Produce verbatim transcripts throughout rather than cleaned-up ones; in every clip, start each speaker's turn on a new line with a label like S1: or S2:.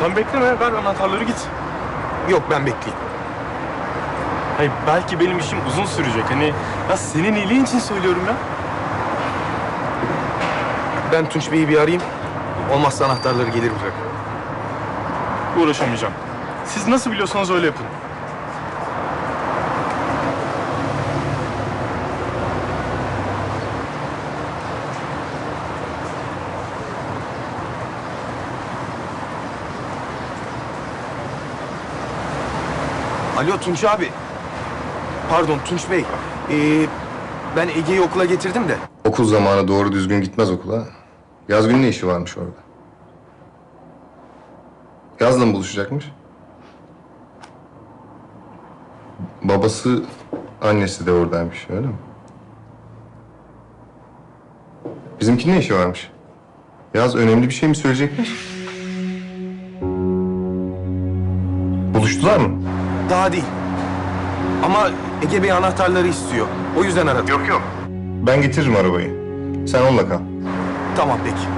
S1: Sen bekleme, ver anahtarları git.
S2: Yok, ben bekleyeyim.
S1: Hayır, belki benim işim uzun sürecek. Hani ya senin iyiliğin için söylüyorum ya.
S2: Ben Tunç Bey'i bir arayayım. Olmazsa anahtarları gelir bırak.
S1: Uğraşamayacağım. Siz nasıl biliyorsanız öyle yapın.
S2: Alo Tunç abi. Pardon Tunç Bey. Ee, ben Ege'yi okula getirdim de.
S3: Okul zamanı doğru düzgün gitmez okula. Yaz günü ne işi varmış orada? Yazla mı buluşacakmış? Babası, annesi de oradaymış, öyle mi? Bizimkinin ne işi varmış? Yaz önemli bir şey mi söyleyecekmiş? Buluştular mı?
S2: Daha değil. Ama Ege Bey anahtarları istiyor. O yüzden aradım.
S3: Yok yok. Ben getiririm arabayı. Sen onunla kal.
S2: Tamam peki.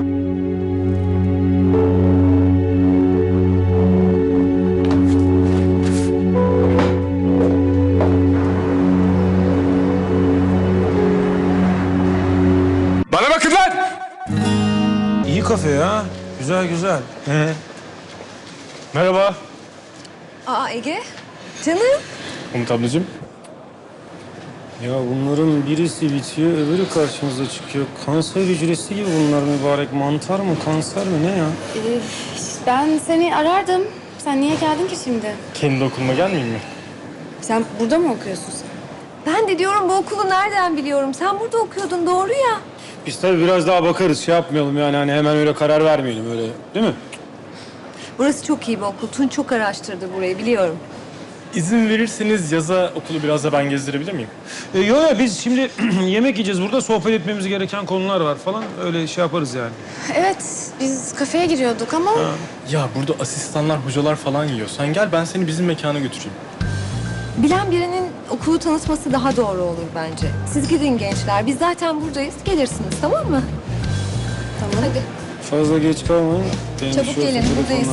S1: Bana bakın lan!
S4: İyi kafe ya. Güzel güzel. He.
S1: Merhaba.
S5: Aa Ege, canım.
S1: Umut ablacığım.
S4: Ya bunların birisi bitiyor, öbürü karşımıza çıkıyor. Kanser hücresi gibi bunlar mübarek. Mantar mı, kanser mi ne ya?
S6: Ee, ben seni arardım. Sen niye geldin ki şimdi?
S1: Kendi okuluma gelmeyeyim mi?
S6: Sen burada mı okuyorsun sen?
S5: Ben de diyorum bu okulu nereden biliyorum? Sen burada okuyordun, doğru ya.
S4: Biz tabii biraz daha bakarız, şey yapmayalım yani hani hemen öyle karar vermeyelim öyle, değil mi?
S5: Burası çok iyi bir okul. Tunç çok araştırdı burayı, biliyorum.
S1: İzin verirseniz yaza okulu biraz da ben gezdirebilir miyim?
S4: Ee, yo yo biz şimdi yemek yiyeceğiz burada, sohbet etmemiz gereken konular var falan. Öyle şey yaparız yani.
S6: Evet, biz kafeye giriyorduk ama...
S1: Ya burada asistanlar, hocalar falan yiyor. Sen gel ben seni bizim mekana götüreyim.
S5: Bilen birinin okulu tanıtması daha doğru olur bence. Siz gidin gençler, biz zaten buradayız. Gelirsiniz, tamam mı?
S6: Tamam. Hadi.
S4: Fazla geç kalmayın. Benim
S5: Çabuk
S4: şu
S5: gelin,
S4: telefonlara-
S5: buradayız.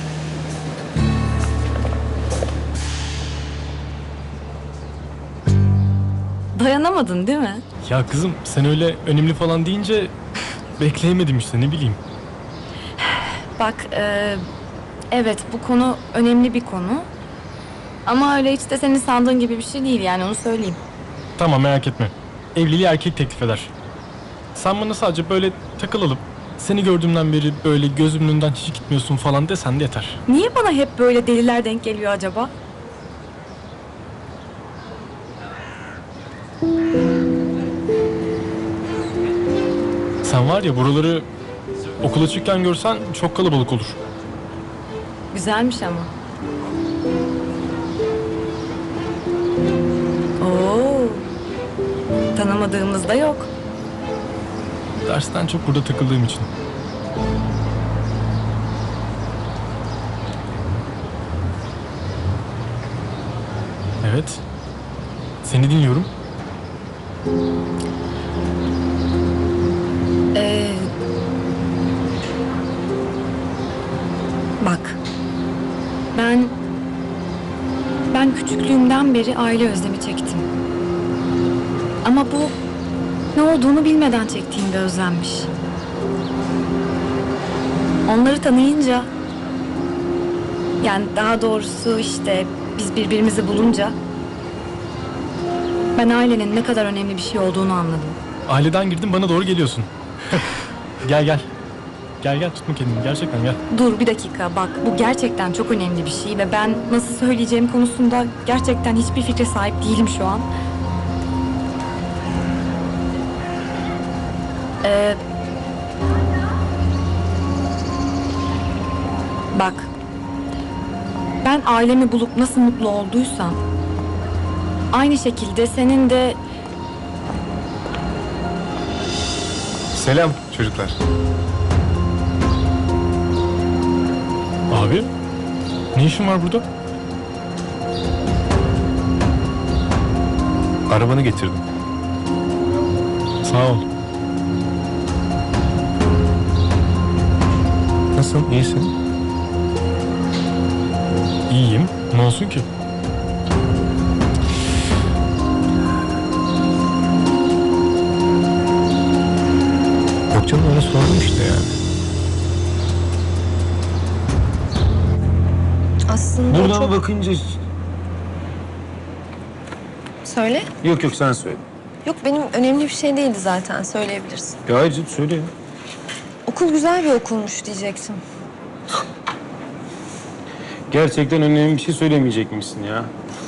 S6: Dayanamadın değil mi?
S1: Ya kızım sen öyle önemli falan deyince bekleyemedim işte ne bileyim.
S6: Bak, e, evet bu konu önemli bir konu. Ama öyle hiç de senin sandığın gibi bir şey değil yani, onu söyleyeyim.
S1: Tamam merak etme. Evliliği erkek teklif eder. Sen bana sadece böyle takılalım. Seni gördüğümden beri böyle gözümün önünden hiç gitmiyorsun falan desen de yeter.
S6: Niye bana hep böyle deliler denk geliyor acaba?
S1: Sen var ya buraları okul açıkken görsen çok kalabalık olur.
S6: Güzelmiş ama. Oo. Tanımadığımız da yok.
S1: Dersten çok burada takıldığım için. Evet. Seni dinliyorum.
S6: Ee, bak. Ben ben küçüklüğümden beri aile özlemi çektim. Ama bu ne olduğunu bilmeden çektiğim bir özlemmiş. Onları tanıyınca, yani daha doğrusu işte biz birbirimizi bulunca ben ailenin ne kadar önemli bir şey olduğunu anladım.
S1: Aileden girdin bana doğru geliyorsun. Gel gel. Gel gel tutma kendini gerçekten gel.
S6: Dur bir dakika, bak bu gerçekten çok önemli bir şey ve ben nasıl söyleyeceğim konusunda gerçekten hiçbir fikre sahip değilim şu an. Ee, bak, ben ailemi bulup nasıl mutlu olduysam aynı şekilde senin de...
S3: Selam çocuklar.
S1: Abi ne işin var burada?
S3: Arabanı getirdim.
S1: Sağ ol.
S3: Nasılsın? İyisin?
S1: canım. Ne olsun ki?
S3: Yok canım, öyle sordum işte yani.
S5: Aslında o
S4: Buradan
S5: çok...
S4: bakınca...
S5: Söyle.
S4: Yok yok, sen söyle.
S5: Yok, benim önemli bir şey değildi zaten. Söyleyebilirsin.
S4: Ya hayır canım, söyle.
S5: Okul güzel bir okulmuş diyecektim.
S4: Gerçekten önemli bir şey söylemeyecek misin ya?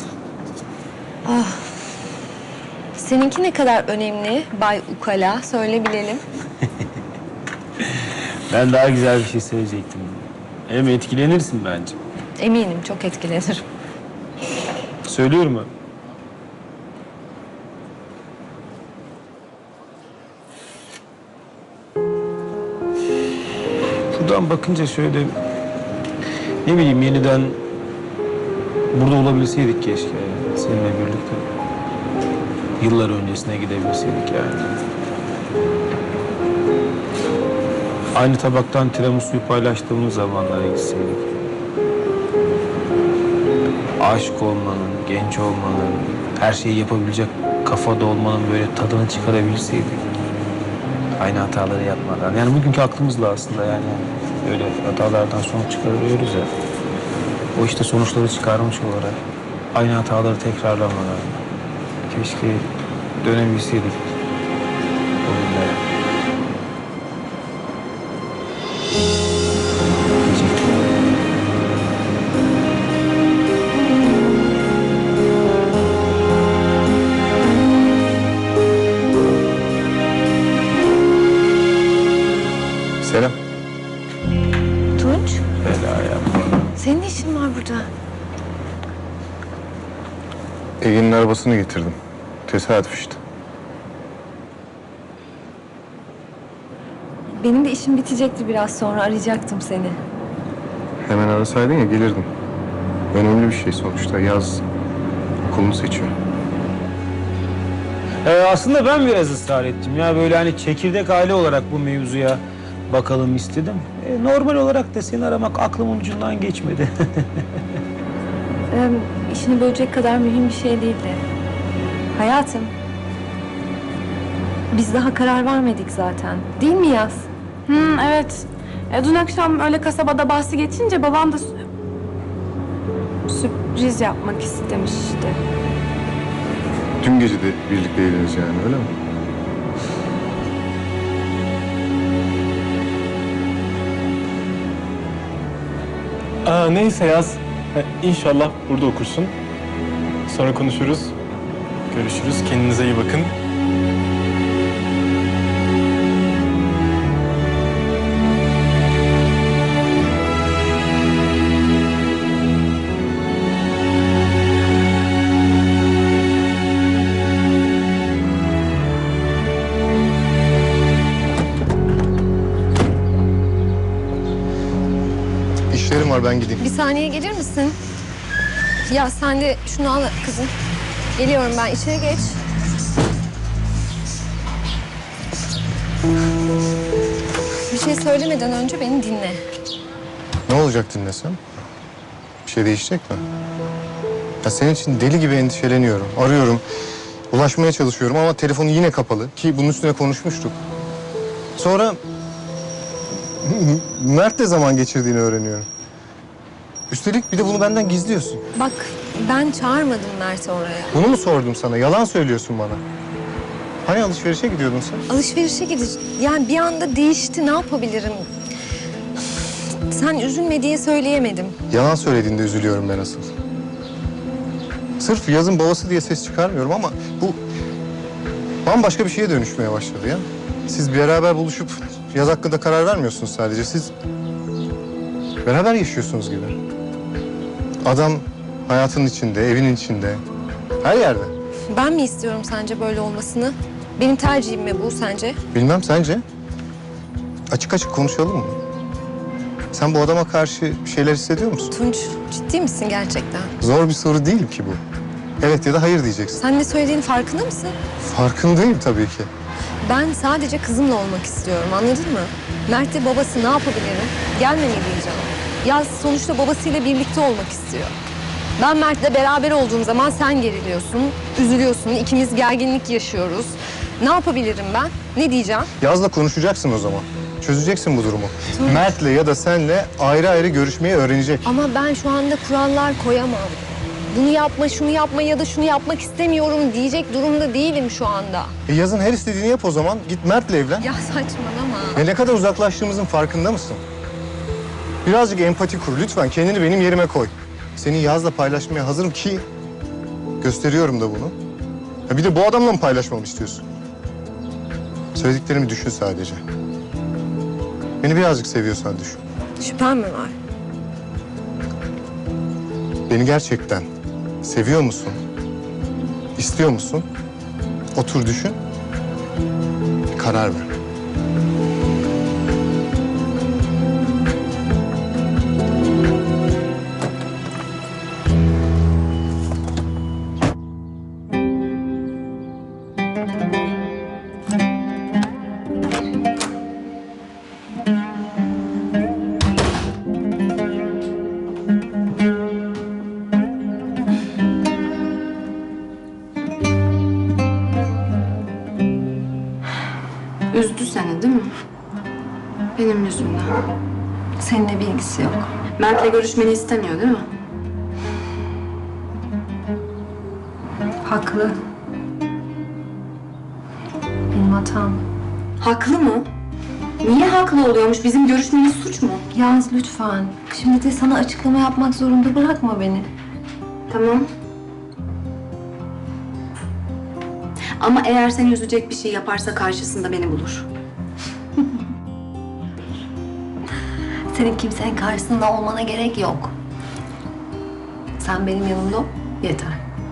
S5: Seninki ne kadar önemli Bay Ukala? Söyle bilelim.
S4: Ben daha güzel bir şey söyleyecektim. Hem etkilenirsin bence.
S5: Eminim çok etkilenirim.
S4: Söylüyorum mu? Buradan bakınca şöyle... Ne bileyim, yeniden burada olabilseydik keşke yani, seninle birlikte. Yıllar öncesine gidebilseydik yani. Aynı tabaktan tiramisu'yu paylaştığımız zamanlara gitseydik. Aşık olmanın, genç olmanın, her şeyi yapabilecek kafada olmanın böyle tadını çıkarabilseydik. Aynı hataları yapmadan. Yani bugünkü aklımızla aslında yani öyle hatalardan sonuç çıkarıyoruz ya. O işte sonuçları çıkarmış olarak aynı hataları tekrarlamadan keşke dönebilseydik o günlere. Diyecektim.
S3: Selam.
S5: Tunç,
S4: Bela yapma.
S5: senin ne işin var burada?
S3: Ege'nin arabasını getirdim. Tesadüf işte.
S5: Benim de işim bitecekti biraz sonra. Arayacaktım seni.
S3: Hemen arasaydın ya, gelirdim. Önemli bir şey sonuçta. Yaz okulunu seçiyor.
S4: Ee, aslında ben biraz ısrar ettim ya, böyle hani çekirdek aile olarak bu mevzuya bakalım istedim. Ee, normal olarak da seni aramak aklımın ucundan geçmedi.
S5: Ee, işini bölecek kadar mühim bir şey değildi. Hayatım. Biz daha karar vermedik zaten. Değil mi Yaz?
S7: Hmm, evet. E, dün akşam öyle kasabada bahsi geçince babam da sü- sürpriz yapmak istemişti.
S3: Dün gece de birlikteydiniz yani, öyle mi?
S1: Aa, neyse Yaz. Ha, İnşallah burada okursun. Sonra konuşuruz. Görüşürüz. Kendinize iyi bakın.
S3: İşlerim var, ben gideyim.
S5: Bir saniye gelir misin? Ya sen de şunu al kızım. Geliyorum ben. İçeri geç. Bir şey söylemeden önce beni dinle.
S3: Ne olacak dinlesem? Bir şey değişecek mi? Ya senin için deli gibi endişeleniyorum. Arıyorum, ulaşmaya çalışıyorum ama telefonu yine kapalı. Ki bunun üstüne konuşmuştuk. Sonra Mert'le zaman geçirdiğini öğreniyorum. Üstelik bir de bunu benden gizliyorsun.
S5: Bak ben çağırmadım Mert'i oraya.
S3: Bunu mu sordum sana? Yalan söylüyorsun bana. Hani alışverişe gidiyordun sen?
S5: Alışverişe gideceğiz. Yani bir anda değişti. Ne yapabilirim? Sen üzülme diye söyleyemedim.
S3: Yalan söylediğinde üzülüyorum ben asıl. Sırf Yaz'ın babası diye ses çıkarmıyorum ama bu bambaşka bir şeye dönüşmeye başladı ya. Siz beraber buluşup Yaz hakkında karar vermiyorsunuz sadece. Siz beraber yaşıyorsunuz gibi. Adam hayatının içinde, evinin içinde, her yerde.
S5: Ben mi istiyorum sence böyle olmasını? Benim tercihim mi bu sence?
S3: Bilmem, sence? Açık açık konuşalım mı? Sen bu adama karşı bir şeyler hissediyor musun?
S5: Tunç ciddi misin gerçekten?
S3: Zor bir soru değil ki bu. Evet ya da hayır diyeceksin.
S5: Sen ne söylediğinin farkında mısın?
S3: Farkındayım tabii ki.
S5: Ben sadece kızımla olmak istiyorum, anladın mı? Mert'le babası ne yapabilirim? Gelme mi diyeceğim? Yaz sonuçta babasıyla birlikte olmak istiyor. Ben Mert'le beraber olduğum zaman sen geriliyorsun, üzülüyorsun, ikimiz gerginlik yaşıyoruz. Ne yapabilirim ben? Ne diyeceğim?
S3: Yaz'la konuşacaksın o zaman. Çözeceksin bu durumu. Mert'le ya da senle ayrı ayrı görüşmeyi öğrenecek.
S5: Ama ben şu anda kurallar koyamam. Bunu yapma, şunu yapma ya da şunu yapmak istemiyorum diyecek durumda değilim şu anda.
S3: E Yaz'ın her istediğini yap o zaman. Git Mert'le evlen.
S5: Ya saçmalama.
S3: Ve ne kadar uzaklaştığımızın farkında mısın? Birazcık empati kur lütfen. Kendini benim yerime koy. Seni Yaz'la paylaşmaya hazırım ki gösteriyorum da bunu. Ya bir de bu adamla mı paylaşmamı istiyorsun? Söylediklerimi düşün sadece. Beni birazcık seviyorsan düşün.
S5: Şüphen mi var?
S3: Beni gerçekten seviyor musun? İstiyor musun? Otur düşün. Bir karar ver.
S7: Üzdü seni değil mi? Benim yüzümden.
S5: Seninle bir ilgisi yok.
S7: Mert'le görüşmeni istemiyor değil mi?
S5: Haklı. Benim hatam.
S7: Haklı mı? Niye haklı oluyormuş? Bizim görüşmemiz suç mu?
S5: Yaz lütfen. Şimdi de sana açıklama yapmak zorunda bırakma beni.
S7: Tamam. Ama eğer seni üzecek bir şey yaparsa karşısında beni bulur.
S5: Senin kimsenin karşısında olmana gerek yok. Sen benim yanımda ol, yeter.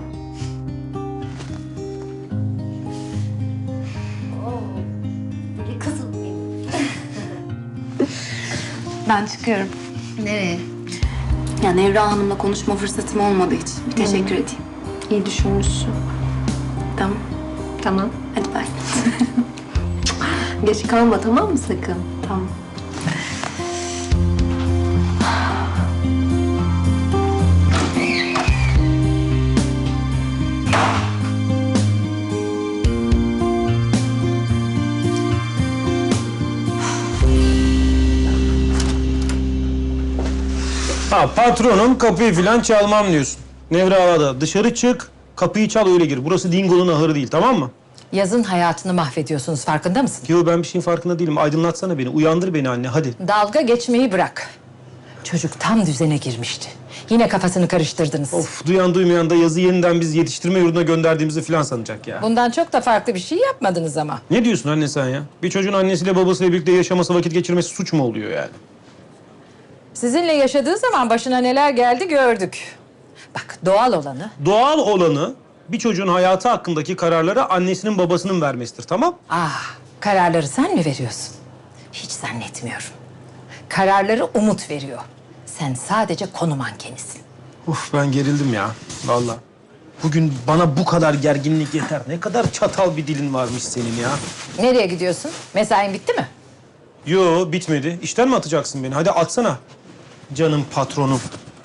S5: Oo, kızım benim.
S7: Ben çıkıyorum.
S5: Nereye?
S7: Ya Nevra Hanım'la konuşma fırsatım olmadı hiç. Bir teşekkür edeyim.
S5: İyi düşünmüşsün.
S7: Tamam.
S5: Tamam.
S7: Hadi bay.
S5: Geç kalma tamam mı sakın?
S7: Tamam.
S4: Ha patronum kapıyı falan çalmam diyorsun. Nevra Ağa'da dışarı çık, kapıyı çal öyle gir. Burası Dingo'nun ahırı değil, tamam mı?
S8: Yazın hayatını mahvediyorsunuz, farkında mısın?
S4: Yo ben bir şeyin farkında değilim. Aydınlatsana beni, uyandır beni anne hadi.
S8: Dalga geçmeyi bırak. Çocuk tam düzene girmişti. Yine kafasını karıştırdınız.
S4: Of duyan duymayan da yazı yeniden biz yetiştirme yurduna gönderdiğimizi falan sanacak ya.
S8: Bundan çok da farklı bir şey yapmadınız ama.
S4: Ne diyorsun anne sen ya? Bir çocuğun annesiyle babasıyla birlikte yaşaması, vakit geçirmesi suç mu oluyor yani?
S8: Sizinle yaşadığı zaman başına neler geldi gördük. Bak, doğal olanı
S4: Doğal olanı bir çocuğun hayatı hakkındaki kararları annesinin babasının vermesidir, tamam?
S8: ah, kararları sen mi veriyorsun? Hiç zannetmiyorum. Kararları Umut veriyor. Sen sadece konu mankenisin.
S4: Uf ben gerildim ya vallahi. Bugün bana bu kadar gerginlik yeter. Ne kadar çatal bir dilin varmış senin ya.
S8: Nereye gidiyorsun? Mesain bitti mi?
S4: Yo bitmedi. İşten mi atacaksın beni? Hadi atsana. Canım patronum.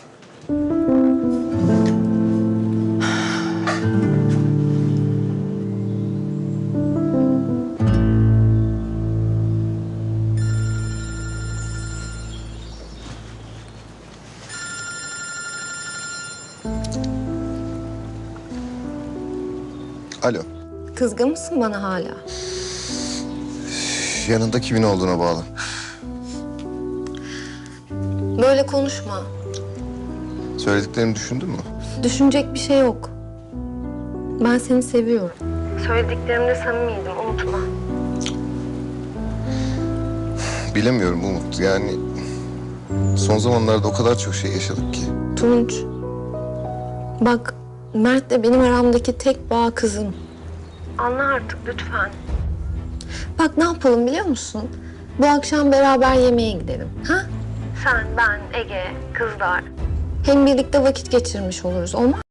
S3: Alo.
S5: Kızgın mısın bana hala?
S3: Yanında kimin olduğuna bağlı.
S5: Böyle konuşma.
S3: Söylediklerimi düşündün mü?
S5: Düşünecek bir şey yok. Ben seni seviyorum. Söylediklerimde samimiydim, unutma.
S3: Bilemiyorum Umut. Yani son zamanlarda o kadar çok şey yaşadık ki.
S5: Tunç, bak Mert'le benim aramdaki tek bağ kızım. Anla artık lütfen. Bak ne yapalım biliyor musun? Bu akşam beraber yemeğe gidelim. Ha? Sen, ben, Ege, kızlar. Hem birlikte vakit geçirmiş oluruz. Olmaz